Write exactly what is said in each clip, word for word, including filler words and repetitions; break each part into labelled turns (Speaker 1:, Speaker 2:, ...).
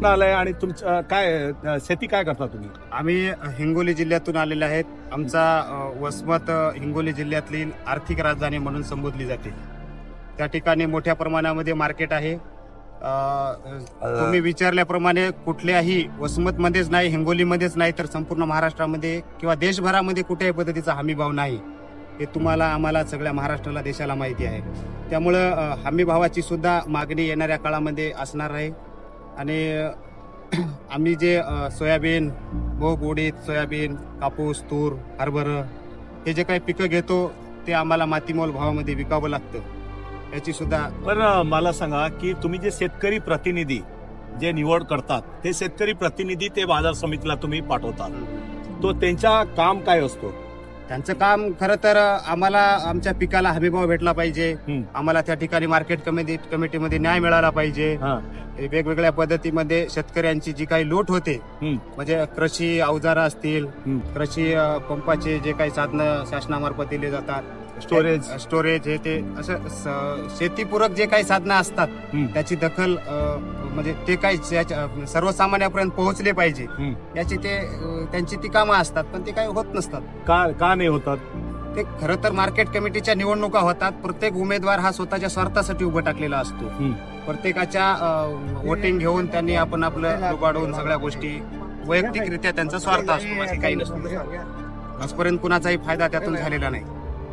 Speaker 1: आलाय आणि तुमचं काय अ, शेती काय करता तुम्ही?
Speaker 2: आम्ही हिंगोली जिल्ह्यातून आलेले आहेत. आमचा अ, वसमत अ, हिंगोली जिल्ह्यातली आर्थिक राजधानी म्हणून संबोधली जाते. त्या ठिकाणी मोठ्या प्रमाणामध्ये मार्केट आहे. अ, तुम्ही विचारल्याप्रमाणे कुठल्याही वसमतमध्येच नाही, हिंगोलीमध्येच नाही, तर संपूर्ण महाराष्ट्रामध्ये किंवा देशभरामध्ये कुठल्याही पद्धतीचा हमीभाव नाही. हे तुम्हाला आम्हाला सगळ्या महाराष्ट्राला देशाला माहिती आहे. त्यामुळं अ, हमीभावाची सुद्धा मागणी येणाऱ्या काळामध्ये असणार आहे. आणि आम्ही जे अ, सोयाबीन, मूग, उडीद, सोयाबीन, कापूस, तूर, हरभरा हे जे काही पिकं घेतो ते आम्हाला मातीमोल भावामध्ये विकावं लागतं. याची सुद्धा
Speaker 1: पण अ, मला सांगा की तुम्ही जे शेतकरी प्रतिनिधी जे निवड करतात ते शेतकरी प्रतिनिधी ते बाजार समितीला तुम्ही पाठवतात, तो त्यांचा काम काय असतो?
Speaker 2: त्यांचं काम खरं तर आम्हाला आमच्या पिकाला हमीभाव भेटला पाहिजे.
Speaker 1: हम्म.
Speaker 2: आम्हाला त्या ठिकाणी मार्केट कमिटी कमिटीमध्ये न्याय मिळाला पाहिजे.
Speaker 1: हा.
Speaker 2: वेगवेगळ्या पद्धतीमध्ये शेतकऱ्यांची जी काही लूट होते,
Speaker 1: हम्म.
Speaker 2: म्हणजे कृषी अवजारं असतील,
Speaker 1: हम्म.
Speaker 2: कृषी अ, पंपाचे जे काही साधनं शासनामार्फत दिले जातात,
Speaker 1: स्टोरेज
Speaker 2: स्टोरेज हे ते असं स- शेतीपूरक जे काही साधनं असतात
Speaker 1: हम्म.
Speaker 2: त्याची दखल अ, म्हणजे ते काही ज्याच्या- सर्वसामान्यापर्यंत पोहोचले पाहिजे
Speaker 1: हम्म.
Speaker 2: याची ते अ, त्यांची ती कामं असतात, पण ते काही होत नसतात.
Speaker 1: का का नाही होतात?
Speaker 2: ते खरं तर मार्केट कमिटीच्या निवडणुका होतात. प्रत्येक उमेदवार हा स्वतःच्या स्वार्थासाठी उभा टाकलेला असतो.
Speaker 1: हम्म.
Speaker 2: प्रत्येकाच्या वोटिंग घेऊन त्यांनी आपण आपलं लुबाडून सगळ्या गोष्टी वैयक्तिकरित्या त्यांचा स्वार्थ असतो, बाकी काही नसतो. आजपर्यंत कुणाचाही फायदा त्यातून झालेला नाही.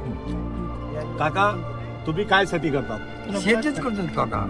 Speaker 1: काका तुम्ही काय शेती करतात?
Speaker 3: शेतीच करतो काका.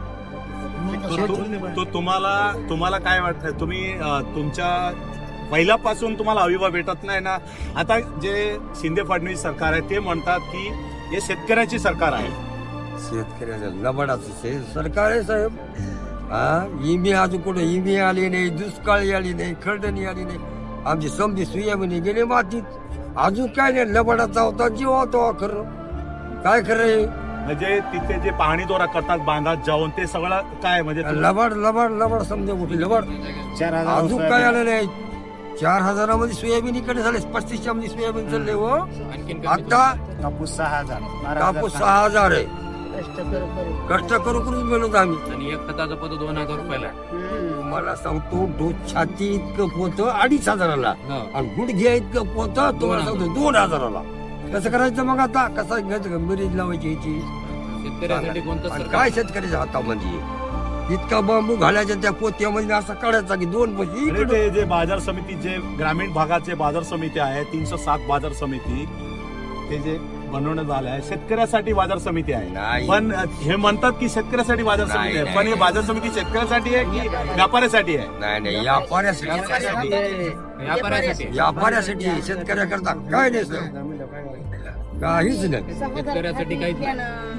Speaker 1: तो- तो- तो तुम्हाला तुम्हाला काय वाटतं? तुम्ही अ, तुमच्या पहिल्यापासून तुम्हाला अविभाव भेटत नाही ना? आता जे शिंदे फडणवीस सरकार आहे ते म्हणतात की हे शेतकऱ्याची सरकार आहे.
Speaker 3: शेतकऱ्याचं लबाडाचं शे- सरकार आहे साहेब. हा इमी अजून कुठे इमी आली नाही, दुष्काळी आली नाही, खरडणी आली नाही. आमची समजी सुयाबीने गेले मातीत. अजून काय नाही, लबाडाचा होता जीव होता खरं. काय खरं
Speaker 1: म्हणजे तिथे जे पाहणी दौरा करतात बांधात जाऊन ते सगळं काय म्हणजे तुम्ही-
Speaker 3: लबाड लबाड लबाड समजा कुठे लबाड.
Speaker 2: चार हजार
Speaker 3: अजून काय आलं नाही. चार हजारामध्ये सोयाबीन इकडे झाले, पस्तीसच्या मध्ये सोयाबीन चालले हो. आता
Speaker 2: कापूस सहा हजार बारा हजार
Speaker 3: कापूस सहा हजार आहे. कष्ट करू करून गेलो आम्ही.
Speaker 4: आणि एक खताचं पद दोन हजार रुपयाला.
Speaker 3: मला सांगतो डोस छाती इतकं पोतं अडीच हजाराला
Speaker 4: हो.
Speaker 3: आणि गुडघ्या इतकं पोतं तुम्हाला सांगतो दोन हजाराला. कसं करायचं मग आता? कसं घ्यायचं का मिरीज लावायची याची?
Speaker 4: शेतकऱ्यासाठी कोणतं
Speaker 3: आणि
Speaker 4: सरकार?
Speaker 3: काय शेतकऱ्याच्या हातामध्ये इतका बांबू घालायचा त्या पोत्यामध्ये असं काढायचा की दोन पैसे
Speaker 1: आणि ते जे बाजार समिती जे ग्रामीण भागाचे बाजार समिती आहे तीनशे सात बाजार समिती ते जे बनवण्यात आलं आहे शेतकऱ्यासाठी बाजार समिती आहे.
Speaker 3: नाही.
Speaker 1: पण हे म्हणतात की शेतकऱ्यासाठी बाजार
Speaker 3: नाही,
Speaker 1: समिती आहे,
Speaker 3: नाही.
Speaker 1: पण हे बाजार समिती शेतकऱ्यासाठी आहे की व्यापाऱ्यासाठी आहे?
Speaker 3: नाही नाही व्यापाऱ्यासाठी
Speaker 4: व्यापाऱ्यासाठी.
Speaker 3: व्यापाऱ्यासाठी शेतकऱ्याकरता काय नाही सर. काहीच नाही.
Speaker 4: शेतकऱ्यासाठी काहीच नाही.